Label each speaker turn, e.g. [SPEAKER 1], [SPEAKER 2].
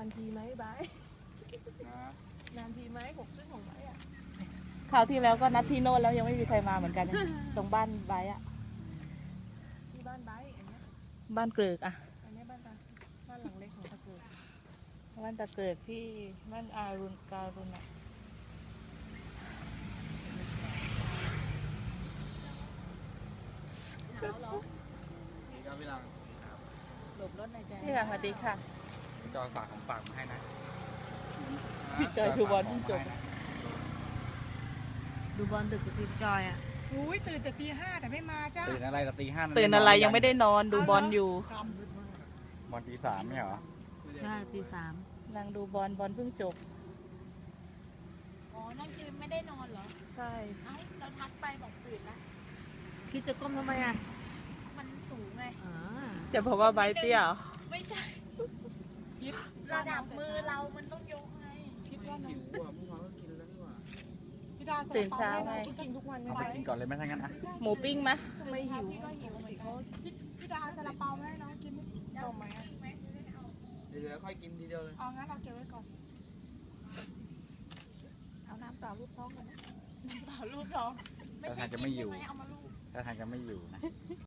[SPEAKER 1] านทีไหมบาย
[SPEAKER 2] นะ
[SPEAKER 1] นานทีไหม6 ครึ่งของไบอ่ะ
[SPEAKER 3] คราวที่แล้วก็นัดที่โน่นแล้วยังไม่มีใครมาเหมือนกัน ตรงบ้านไบร์ทอะ
[SPEAKER 1] ที่บ้านไบอันเนี้ย
[SPEAKER 3] บ้านเกลือกอะ
[SPEAKER 1] อันเนี้ยบ้านหลังเล็กของตะเกียบ
[SPEAKER 3] บ้านตะเกลือกที่บ้านอารุณการุณอะ
[SPEAKER 1] หนาวเหรอ
[SPEAKER 2] นี่ก็พี่ลัง
[SPEAKER 1] หลบรถในใจ
[SPEAKER 3] พี่หลังสวัสดีค่ะ
[SPEAKER 2] จอยฝากของฝากมาให้นะ
[SPEAKER 3] พี่จอยดูบอลเพิ่งจบ
[SPEAKER 4] ดูบอลดึกกับซีจอยอ่ะ
[SPEAKER 1] อุ้ยตื่นแต่ตี 5แต่ไม่มาจ้า
[SPEAKER 2] ตื่นอะไรแต่ตี 5
[SPEAKER 3] ตื่นอะไรยังไม่ได้นอนดูบอลอยู่
[SPEAKER 2] บอลตี 3ไม่เหรอ
[SPEAKER 4] ใช่ตี 3
[SPEAKER 3] กำลังดูบอลเพิ่งจบ
[SPEAKER 1] อ๋อ นั่นคือไม่ได้นอนเหรอ
[SPEAKER 3] ใช่
[SPEAKER 1] เอ้า เราทักไปบอกตื่นละ
[SPEAKER 4] คิดจะก้มทำไมอ่ะ
[SPEAKER 1] มันสูงไง
[SPEAKER 4] อ่า
[SPEAKER 3] จะบอกว่าไบร์ทเตี้ยเหรอ
[SPEAKER 1] ไม่ใช่ ระดับมือเรามันต้องยกไงคิดว่าน้องพี่ดา
[SPEAKER 3] ตื่นเช้าไง
[SPEAKER 1] กินทุกวัน
[SPEAKER 2] เอาไปกินก่อนเลยไหมถ้างั้นอ่ะ
[SPEAKER 3] หมูปิ้งไหม
[SPEAKER 1] ไม่หิวพี่ก็หิวเหมือนกันพี่ดาซาลาเปาไหมน้องกินต่อไหมอ่ะ
[SPEAKER 2] เดี๋ยวค่อยกินทีเดียวเลย
[SPEAKER 1] เอางั้นเราเก็บไว้ก่อน เอาน้ำเปล่าลูกท้องก่อนนะน้ำเปล่าลูกท้อง
[SPEAKER 2] ถ้าทางจะไม่อยู่
[SPEAKER 1] ใช่หเอามาลูก
[SPEAKER 2] ถ้าทางจะไม่อยู่นะ